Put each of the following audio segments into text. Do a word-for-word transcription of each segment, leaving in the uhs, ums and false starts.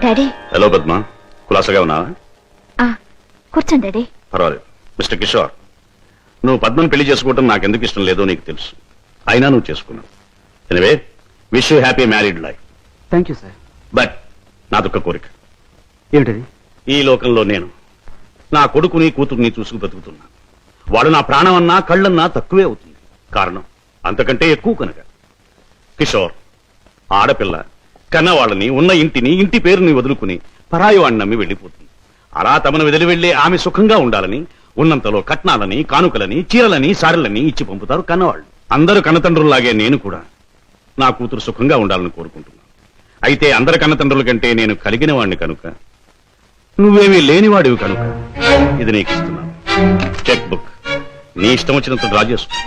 Daddy. Hello Padma, కులాసగా ఉన్నావా? కూర్చోండి daddy. పర్వాలేదు. మిస్టర్ కిషోర్, నువ్వు పద్మను పెళ్లి చేసుకోవటం నాకు ఎందుకు ఇష్టం లేదో నీకు తెలుసు. అయినా నువ్వు చేసుకున్నావు. Anyway, wish you happy married life. Thank you sir. But నాదొక్క కోరిక. ఏమిటది? ఈ లోకంలో నేను నా కొడుకుని కూతుర్ని చూసుకు బతుకుతున్నా. వాడు నా ప్రాణం అన్నా కళ్ళన్నా తక్కువే అవుతుంది. కారణం అంతకంటే ఎక్కువ కనుక. కిషోర్, ఆడపిల్ల కన్నవాళ్ళని, ఉన్న ఇంటిని, ఇంటి పేరుని వదులుకుని పరాయి వాడిని నమ్మి వెళ్ళిపోతుంది. అలా తమను వదిలి వెళ్లే ఆమె సుఖంగా ఉండాలని ఉన్నంతలో కట్నాలని, కానుకలని, చీరలని, సారెలని ఇచ్చి పంపుతారు కన్నవాళ్ళు. అందరు కన్నతండ్రుల్లాగే నేను కూడా నా కూతురు సుఖంగా ఉండాలని కోరుకుంటున్నాను. అయితే అందరి కన్నతండ్రుల కంటే నేను కలిగిన వాడిని కనుక, నువ్వేమీ లేనివాడివి కనుక ఇది నీకు ఇస్తున్నాను. చెక్ బుక్ నీ ఇష్టం వచ్చినంత డ్రా చేసుకో.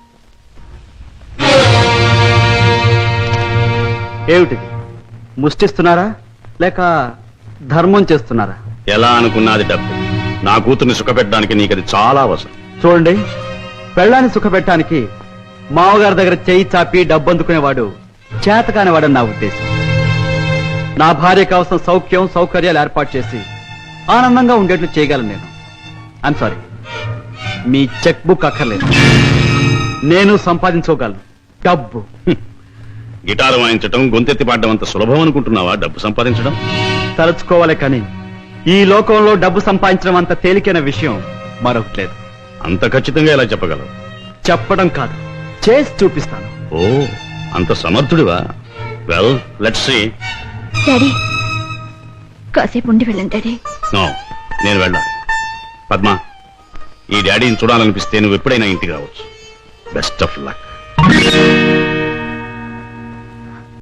ఏమిటిది? ముష్టిస్తున్నారా లేక ధర్మం చేస్తున్నారా? ఎలా అనుకున్నది డబ్బు. నా కూతుర్ని సుఖపెట్టడానికి నీకు అది చాలా అవసరం. చూడండి, పెళ్ళాన్ని సుఖపెట్టడానికి మామగారి దగ్గర చేయి చాపి డబ్బు అందుకునేవాడు చేతకానివాడని నా ఉద్దేశం. నా భార్య కోసం సౌఖ్యం సౌకర్యాలు ఏర్పాటు చేసి ఆనందంగా ఉండేట్లు చేయగలను నేను. ఐమ్ సారీ, మీ చెక్ బుక్ అక్కర్లేదు. నేను సంపాదించుకోగలను డబ్బు. గిటారు వాయించడం, గొంతెత్తి పాడడం అంత సులభం అనుకుంటున్నావా డబ్బు సంపాదించడం? తలుచుకోవాలి కానీ ఈ లోకంలో డబ్బు సంపాదించడం అంత తేలికైన విషయం మరొకటి లేదు. అంత ఖచ్చితంగా ఎలా చెప్పగలవు? చెప్పడం కాదు, చేసి చూపిస్తాను. ఓ, అంత సమర్థుడివా? Well, let's see. డాడీ, కాసేపు ఉండి వెళ్ళండి డాడీ. నో, నేను వెళ్ళాలి. పద్మ, ఈ డాడీని చూడాలనిపిస్తే నువ్వు ఎప్పుడైనా ఇంటికి రావచ్చు. Best of luck.